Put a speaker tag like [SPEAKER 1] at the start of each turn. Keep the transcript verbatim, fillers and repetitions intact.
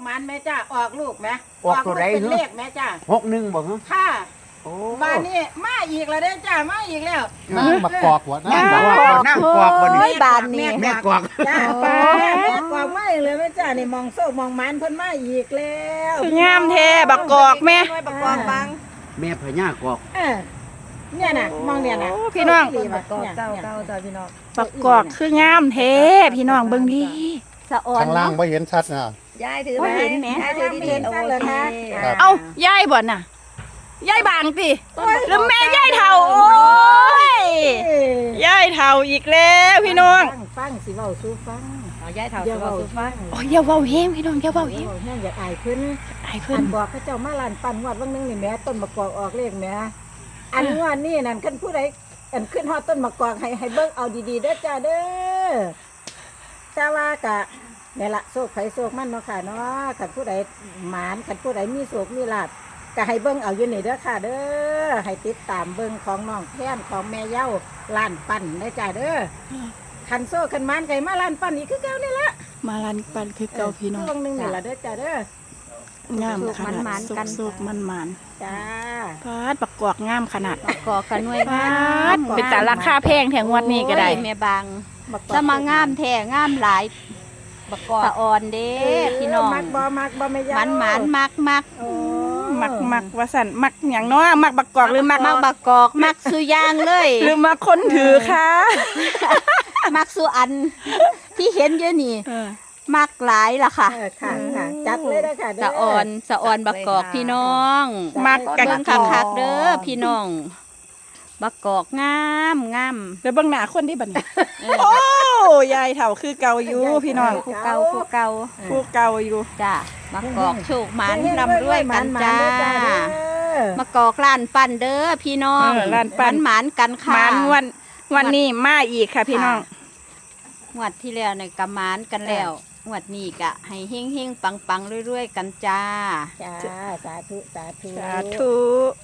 [SPEAKER 1] มันแม่จ้าออกลูกไหม
[SPEAKER 2] ออกตัวใด
[SPEAKER 1] เป็น
[SPEAKER 2] เหรอ
[SPEAKER 1] เลขแม่จ้า
[SPEAKER 2] หกหนึ่งบอกเหรอ
[SPEAKER 1] ค่ะ
[SPEAKER 2] โอ้
[SPEAKER 1] บ้านนี้มาอีกแล้วเด้อจ้ามาอีกแล้ว
[SPEAKER 3] นั่งบักกอกหัว
[SPEAKER 2] นั่
[SPEAKER 3] นั่
[SPEAKER 2] ง
[SPEAKER 3] ง
[SPEAKER 2] บ
[SPEAKER 3] บั
[SPEAKER 2] อก
[SPEAKER 3] ก
[SPEAKER 2] ว่านั่งกอกวันนี้
[SPEAKER 4] บานนี่
[SPEAKER 2] แม่กอก
[SPEAKER 1] จ้าป้าแม่กวางมาอีกเลยแม่จ้านี่มองโซ่มองมันเพิ่นมาอีกแล้ว
[SPEAKER 5] คืองามแท้บักกอกแม่
[SPEAKER 4] บักกอกบัง
[SPEAKER 2] แม่พญากอก
[SPEAKER 1] เออเนี่ยน่ะมองเนี่ยน่ะ
[SPEAKER 5] โอ้พี่น้อง
[SPEAKER 1] ดีว่ะ
[SPEAKER 4] กอก
[SPEAKER 1] เนี่ย
[SPEAKER 4] เจ้า
[SPEAKER 1] เนี่ย
[SPEAKER 4] เจ้าเจ้าพี่น้อง
[SPEAKER 5] บักกอกคืองามแท้พี่น้องเบิ่งดี
[SPEAKER 4] สะออน
[SPEAKER 3] ข้างล่าง
[SPEAKER 4] เนาะ
[SPEAKER 3] ไม่เห็นชัดนะ
[SPEAKER 4] ยายถือไหม
[SPEAKER 5] บ่เห็นแหม
[SPEAKER 4] ยายถือดีๆโอเค
[SPEAKER 3] ครับ
[SPEAKER 5] เอ้ายายบ่น่ะยายบางติแล้วแม่ยายเฒ่าโอ้ย
[SPEAKER 1] เอ้ย
[SPEAKER 5] ยายเฒ่าอีกแล้วพี่น้อง
[SPEAKER 1] ฟังฟังสิเว้าสู่ฟัง
[SPEAKER 4] เอายายเฒ่า
[SPEAKER 1] เดี๋
[SPEAKER 4] สุ
[SPEAKER 1] ยว
[SPEAKER 4] ภา
[SPEAKER 1] เว้า
[SPEAKER 4] สุฟัง
[SPEAKER 5] โอ้ยอย่าเว้าแฮงพี่น้องอย่าเว้าแฮง
[SPEAKER 1] เว้าแห้งอยากอายเพิ่น
[SPEAKER 5] ไอ้เพิ่
[SPEAKER 1] อั
[SPEAKER 5] น
[SPEAKER 1] นบอกเขาเจ้ามาลานปั่นงวดวันหนึงนี่แหม่ต้นมะกอกออกเลขแหม่อันงวดนี่นั่นคันผู้ใดอันขึ้นฮอดต้นมะกอกให้ให้เบิ่งเอาดีๆเด้อจ้าเด้อแต่ว่ากะนี่ล่ะโชคไผโชคมันเนาะค่ะเนาะคันผู้ใดหมานคันผู้ใดมีโชคมีลาภก็ให้เบิ่งเอาอยู่นี่เด้อค่ะ เด้อให้ติดตามเบิ่งของน้องแพนของแม่เย้าล้านปั่นเด้อจ้าเด้อคันโซ่คันหมานไก่มาล้านปั่นอีกคือเก่านี่ละ
[SPEAKER 5] มาลันปันคือเก่าพี่น้อง
[SPEAKER 1] ช่วงหนึงนี่ล่ะเด้อจ้าเด้อ
[SPEAKER 5] งามขนาดสุกๆมัน
[SPEAKER 1] จ้า
[SPEAKER 5] ๆพาดบักกอกงามขนาด
[SPEAKER 4] บักกอกกันหน่วย
[SPEAKER 5] พ
[SPEAKER 4] งา
[SPEAKER 5] าม ดเป็นแต่ราคาแพงแถงงวดนี้ก็ได้
[SPEAKER 4] โอ้ยแม่บาง
[SPEAKER 1] บักกอก
[SPEAKER 4] แล้วมางามแท้งามหลายบักกอกสะออนเด้พี่น้อง
[SPEAKER 1] มักบ่มักบ่ไม่ยา
[SPEAKER 4] หมันหมันมักมัก
[SPEAKER 1] โอ้
[SPEAKER 5] มักมักว่าสันมักอย่างเน้อมักบักกอกหรือมัก
[SPEAKER 4] มักบักกอกมักสุยางเลย
[SPEAKER 5] หรือมักคนถือค่ะ
[SPEAKER 4] มักสุอัน ที่เห็นอยู่นี่
[SPEAKER 5] เออ
[SPEAKER 4] มักหลายล่ะค่ะ
[SPEAKER 1] เออค่ะค่ะจัดเลยนะค่ะเด้
[SPEAKER 4] สะออนสะออนบักกอกพี่น้อง
[SPEAKER 5] มักกั
[SPEAKER 4] เบิ่
[SPEAKER 5] น
[SPEAKER 4] งคักๆเด้อพี่น้องบักกอกงามงาม
[SPEAKER 5] แล้วเบิ่งหน้าคนที่บัดนี้โอ้ยายเฒ่าคือเก่าอยู่พี่น้อง
[SPEAKER 4] ผู้เก่าผู้เก่า
[SPEAKER 5] ผู้เก่าอยู่
[SPEAKER 4] จ้าบักกอกโชคหมัน
[SPEAKER 1] เฮ้งๆ
[SPEAKER 4] ร่ำรวยกัน
[SPEAKER 1] หมๆ
[SPEAKER 4] จ้า
[SPEAKER 1] เด้อเด้อ
[SPEAKER 4] บักกอกล้านปั้นเด้อพี่น้อง
[SPEAKER 5] เออล้านปั้น
[SPEAKER 4] หมันๆกันค่ะ
[SPEAKER 5] มานวันวันนี้มาอีกค่ะพี่น้อง
[SPEAKER 4] งวดที่แล้วเนี่ยกะหมานกันแล้วงวดนี้กะให้เฮงๆปังๆเรื่อยๆกันจ้า
[SPEAKER 1] จ้าสาธุสาธุ
[SPEAKER 5] สาธุ